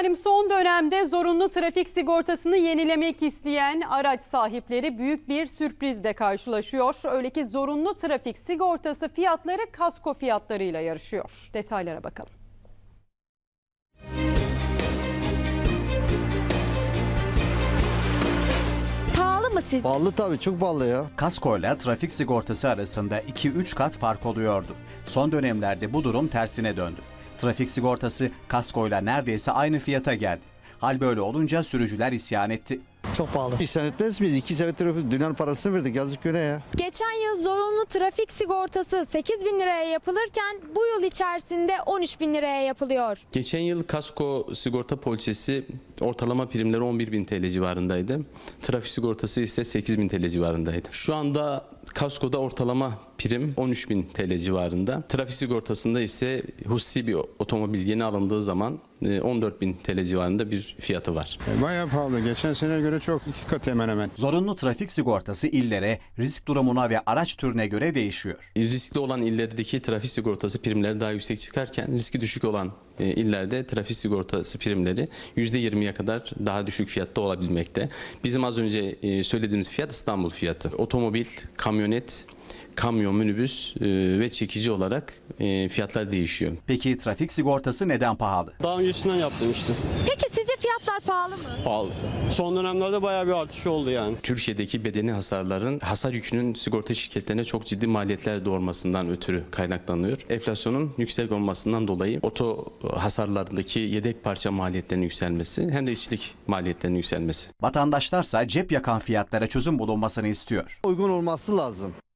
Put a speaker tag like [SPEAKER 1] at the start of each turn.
[SPEAKER 1] Efendim son dönemde zorunlu trafik sigortasını yenilemek isteyen araç sahipleri büyük bir sürprizle karşılaşıyor. Öyle ki zorunlu trafik sigortası fiyatları kasko fiyatlarıyla yarışıyor. Detaylara bakalım.
[SPEAKER 2] Pahalı mı sizce?
[SPEAKER 3] Pahalı tabii, çok pahalı ya.
[SPEAKER 4] Kaskoyla trafik sigortası arasında 2-3 kat fark oluyordu. Son dönemlerde bu durum tersine döndü. Trafik sigortası kaskoyla neredeyse aynı fiyata geldi. Hal böyle olunca sürücüler isyan etti.
[SPEAKER 5] Çok pahalı.
[SPEAKER 3] İhsan etmez miyiz? 2 senedir dünyanın parasını verdik, yazık güne ya.
[SPEAKER 2] Geçen yıl zorunlu trafik sigortası 8 bin liraya yapılırken bu yıl içerisinde 13 bin liraya yapılıyor.
[SPEAKER 6] Geçen yıl kasko sigorta poliçesi ortalama primleri 11.000 TL civarındaydı. Trafik sigortası ise 8.000 TL civarındaydı. Şu anda kaskoda ortalama prim 13.000 TL civarında. Trafik sigortasında ise hususi bir otomobil yeni alındığı zaman 14.000 TL civarında bir fiyatı var.
[SPEAKER 7] Bayağı pahalı. Geçen seneye göre çok, 2 kat hemen hemen.
[SPEAKER 4] Zorunlu trafik sigortası illere, risk durumuna ve araç türüne göre değişiyor.
[SPEAKER 6] Riskli olan illerdeki trafik sigortası primleri daha yüksek çıkarken riski düşük olan illerde trafik sigortası primleri %20'ye kadar daha düşük fiyatta olabilmekte. Bizim az önce söylediğimiz fiyat İstanbul fiyatı. Otomobil, kamyonet, kamyon, minibüs ve çekici olarak fiyatlar değişiyor.
[SPEAKER 4] Peki trafik sigortası neden pahalı?
[SPEAKER 8] Daha öncesinden yaptırmıştım.
[SPEAKER 2] Peki sizce fiyatlar pahalı mı?
[SPEAKER 8] Pahalı. Son dönemlerde bayağı bir artış oldu yani.
[SPEAKER 6] Türkiye'deki bedeni hasarların hasar yükünün sigorta şirketlerine çok ciddi maliyetler doğurmasından ötürü kaynaklanıyor. Enflasyonun yüksek olmasından dolayı oto hasarlarındaki yedek parça maliyetlerinin yükselmesi hem de işçilik maliyetlerinin yükselmesi.
[SPEAKER 4] Vatandaşlarsa cep yakan fiyatlara çözüm bulunmasını istiyor.
[SPEAKER 3] Uygun olması lazım.